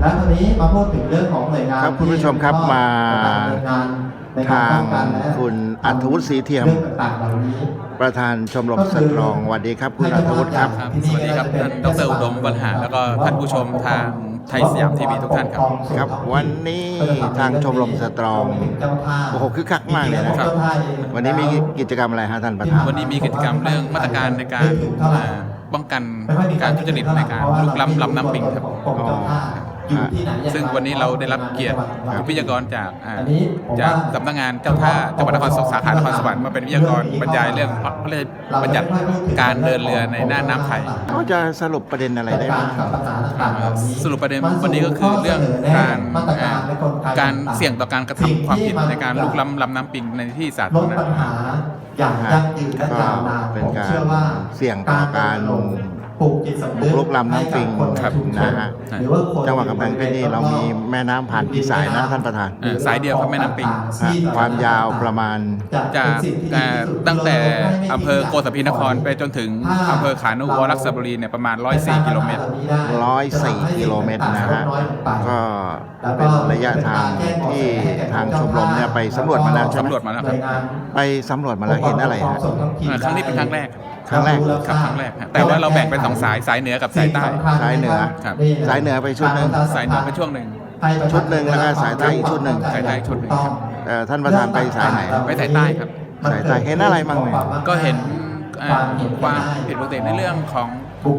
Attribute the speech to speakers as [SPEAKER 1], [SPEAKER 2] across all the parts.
[SPEAKER 1] แล้วตอนนี้มาพูดถึงเรื่องของหน่วยงาน
[SPEAKER 2] ครับคุณผู้ชมครับมาทางคุณอัธวุฒิศรีเทียมประธานชมรมสตรองสวัสดีครับคุณอัธวุฒิครับ
[SPEAKER 3] สวัสดีครับท่านดร.อุดมบรรหารแล้วก็ท่านผู้ชมทางไทยสยามทีวีทุกท่านครับ
[SPEAKER 2] ครับวันนี้ทางชมรมสตรองโอ้โหคึกคักมากเลยนะครับวันนี้มีกิจกรรมอะไรฮะท่านประธาน
[SPEAKER 3] วันนี้มีกิจกรรมเรื่องมาตรการในการป้องกันการทุจริตในการลุกล้ำลำน้ำปิงครับซึ่งวันนี้เราได้รับเกียรติวิทยากรจากสำนักงานเจ้าท่าจังหวัดนครสาขานครสวรรค์มาเป็นวิทยากรบรรยายเรื่องพระราชบัญญัติการเดินเรือในน่านน้ำไทย
[SPEAKER 2] เขาจะสรุปประเด็นอะไรได้บ้าง
[SPEAKER 3] สรุปประเด็นวันนี้ก็คือเรื่องการเสี่ยงต่อการกระทำความผิดในการลุกล้ำลำน้ำปิงในที่สาธารณะ
[SPEAKER 1] อย่างยั่งยืนและยาวนาน
[SPEAKER 2] เป็นการเสี่ยงต่อการบุกรุกลำน้ำปิงนะฮะจังหวัดกำแพงเพชรนี่เรามีแม่น้ำผ่านกี่สายนะท่านประธาน
[SPEAKER 3] สายเดียวครับแม่น้ำปิง
[SPEAKER 2] ความยาวประมาณ
[SPEAKER 3] จากตั้งแต่อำเภอโกสัมพีนครไปจนถึงอำเภอขานุวรรคบุรีเนี่ยประมาณ104 กิโลเมตร
[SPEAKER 2] 104 กิโลเมตรนะฮะก็เป็นระยะทางที่ทางชมรมเนี่ยไปสำรวจมาแล้ว
[SPEAKER 3] สำรวจมาแล้วครับ
[SPEAKER 2] ไปสำรวจมาแล้วเห็นอะไรฮะ
[SPEAKER 3] ครั้งนี้เป็นครั้งแรก
[SPEAKER 2] ครับค
[SPEAKER 3] รั้งแรกแต่ว่าเราแบ่งเป็น2 สายเหนือกับสายใต้
[SPEAKER 2] สายเหนือ
[SPEAKER 3] ครับ
[SPEAKER 2] สายเหนือไปชุดหนึ่ง
[SPEAKER 3] สายเหนือไปช่วงหนึ่ง
[SPEAKER 2] แล้วก็สายใต้อีกชุดหนึ่ง
[SPEAKER 3] สายใต้ชุดหนึ่งครับ
[SPEAKER 2] ท่านประธานไปสายไหน
[SPEAKER 3] ไปสายใต้ครับ
[SPEAKER 2] สายใต้เห็นอะไรบ้างไหม
[SPEAKER 3] ก็เห็นความผิดปกติในเรื่องของ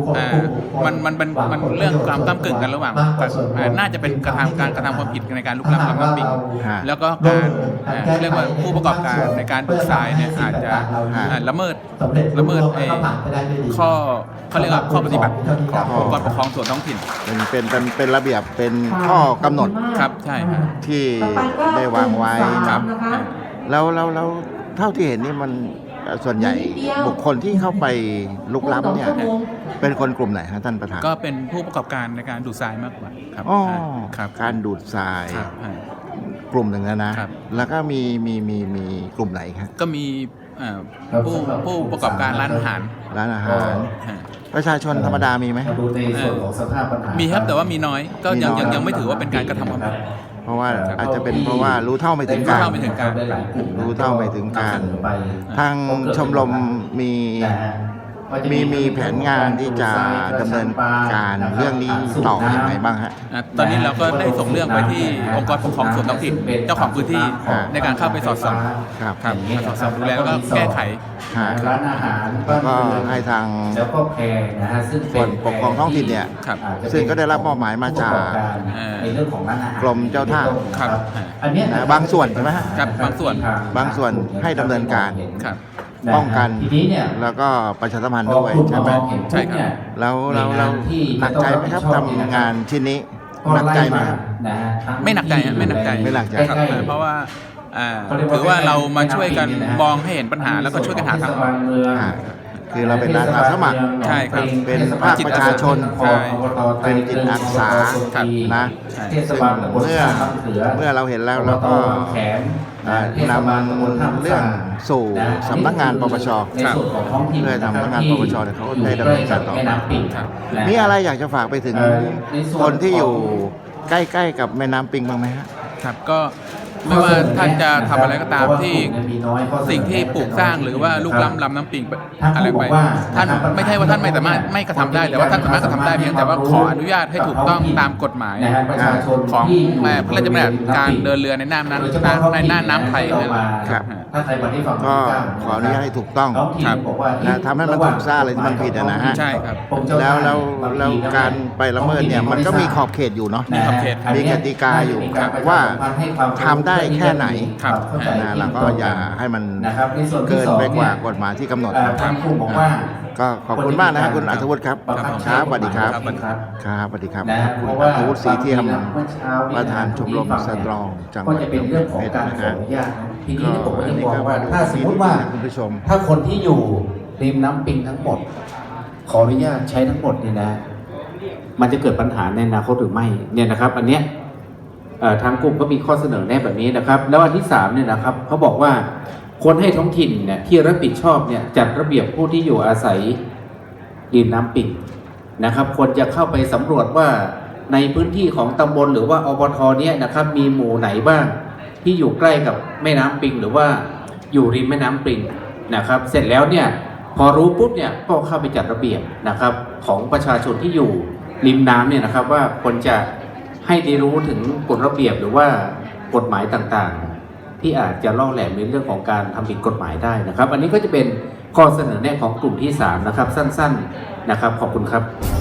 [SPEAKER 3] มันเรื่องความก้ำกึ่งกันระหว่างน่าจะเป็นการกระทำความผิดในการลุกล้ำลำน้ำปิงแล้วก็การเรียกว่าผู้ประกอบการในการดูทรายเนี่ยอาจจะละเมิดข้อเขาเรียกว่าข้อปฏิบัติขององค์กรปกครองส่วนท้องถิ่น
[SPEAKER 2] เป็นระเบียบเป็นข้อกำหนด
[SPEAKER 3] ครับใช่
[SPEAKER 2] ที่ได้วางไว้ครับแล้วเท่าที่เห็นนี่มันส่วนใหญ่บุคคลที่เข้าไปลุกล้ำเนี่ยเป็นคนกลุ่มไหนฮะท่านประธาน
[SPEAKER 3] ก็เป็นผู้ประกอบการในการดูดทรายมากกว่า
[SPEAKER 2] ครับการดูดทรายกลุ่มหนึ่งนะแล้วก็มีกลุ่มไหนครับ
[SPEAKER 3] ก็มีผู้ประกอบการร้านอาหาร
[SPEAKER 2] ประชาชนธรรมดามีไหม
[SPEAKER 3] มีครับแต่ว่ามีน้อยก็ยังไม่ถือว่าเป็นการกระทำความผิด
[SPEAKER 2] เพราะว่าอาจจะเป็นเพราะว่ารู้เท่าไม่ถึงการทางชมรมมีแผนงานที่จะดำเนินการเรื่องนี้ต่ออย่างไรบ้างฮะ
[SPEAKER 3] ตอนนี้เราก็ได้ส่งเรื่องไปที่องค์กรปกครองส่วนท้องถิ่นเจ้าของพื้นที่ในการเข้าไปสอดส่องครับสอดส่องดูแลแล้วก็แก้ไข
[SPEAKER 1] ร้านอาหาร
[SPEAKER 2] ก็ให้ทาง
[SPEAKER 1] แล้วก็แพงนะฮะซึ่ง
[SPEAKER 2] ส่วนปกครองท้องถิ่นเนี่ยซึ่งก็ได้รับมอบหมายมาจาก
[SPEAKER 1] ในเรื่องของร้านอาหาร
[SPEAKER 2] กรมเจ้าท่า
[SPEAKER 3] ครับ
[SPEAKER 1] อันนี้
[SPEAKER 2] บางส่วนใช่ไหม
[SPEAKER 3] ครับบางส่วน
[SPEAKER 2] ให้ดำเนินการป้องกันแล้วก็ประชาสัมพันธ์ด้วยใช่ไหม
[SPEAKER 3] ใช่ครับ
[SPEAKER 2] แล้วหนักใจไหมครับทำงานชิ้นนี้หนักใจไหม
[SPEAKER 3] ไม่หนักใจครับเพราะว่าถือว่าเรามาช่วยกันมองให้เห็นปัญหาแล้วก็ช่วยกันหาทางออก
[SPEAKER 2] คือเราเป็นอาสาสมัคร
[SPEAKER 3] ใช่ครับ
[SPEAKER 2] เป็นภาคประชาชนเป็นจิตอาสานะซึ่งเมื่อเราเห็นแล้วเราก็นำเรื่องสู่สำนักงานปปชเพื่อสำนักงานปปชเขาได้ดำเนินการต่อมีอะไรอยากจะฝากไปถึงคนที่อยู่ใกล้ๆกับแม่น้ำปิงบ้างไหม
[SPEAKER 3] ครับก็ไม่ว่าท่านจะทำอะไรก็ตามที่สิ่งที่ปลูกสร้างหรือว่าลุกล้ำลำน้ำปิงอะไรไปท่านไม่ใช่ว่าท่านไม่สามารถไม่กระทำได้แต่ว่าท่านสามารถกระทำได้เพียงแต่ว่าขออนุญาตให้ถูกต้องตามกฎหมายของพระราชบัญญัติการเดินเรือในน่านน้ำไทย
[SPEAKER 2] ครับก็ขออนุญาตให้ถูกต้องทำให้มันถูกสร้างอะไรที่มันผิดนะฮะ
[SPEAKER 3] ใช่ครับ
[SPEAKER 2] แล้วการไปละเมิดเนี่ยมันก็มีขอบเขตอยู่เนาะมีกติกาอยู่ว่าทำได้แค่ไหนแล้วก็อย่าให้มันเกินไปกว่ากฎหมายที่กำหนดก็ขอบคุณมากนะครับคุณอัธวุฒิครับครับสวัสดีครับครับสวัสดีครับคุณอัธวุฒิศรีเทียมประธานชมรมสตรองจังหวัดกำแพงเพชรนะครับ
[SPEAKER 1] ทีนี้ผมก็จะบอกว่าถ้าสมมติว่าถ้าคนที่อยู่ริมน้ำปิงทั้งหมดขออนุญาตใช้ทั้งหมดเนี่ยนะมันจะเกิดปัญหาในอนาคตหรือไม่เนี่ยนะครับอันเนี้ยทางกลุ่มก็มีข้อเสนอแนะแบบนี้นะครับแล้วอันที่3เนี่ยนะครับเขาบอกว่าคนให้ท้องถิ่นเนี่ยที่รับผิดชอบเนี่ยจัดระเบียบผู้ที่อยู่อาศัยริมน้ำปิงนะครับควรจะเข้าไปสำรวจว่าในพื้นที่ของตำบลหรือว่าอบท.เนี่ยนะครับมีหมู่ไหนบ้างที่อยู่ใกล้กับแม่น้ำปิงหรือว่าอยู่ริมแม่น้ำปิงนะครับเสร็จแล้วเนี่ยพอรู้ปุ๊บเนี่ยก็เข้าไปจัดระเบียบนะครับของประชาชนที่อยู่ริมน้ำเนี่ยนะครับว่าควรจะให้ได้รู้ถึงกฎระเบียบหรือว่ากฎหมายต่างๆที่อาจจะล่อแหลมในเรื่องของการทำผิดกฎหมายได้นะครับอันนี้ก็จะเป็นข้อเสนอแนะของกลุ่มที่3นะครับสั้นๆนะครับขอบคุณครับ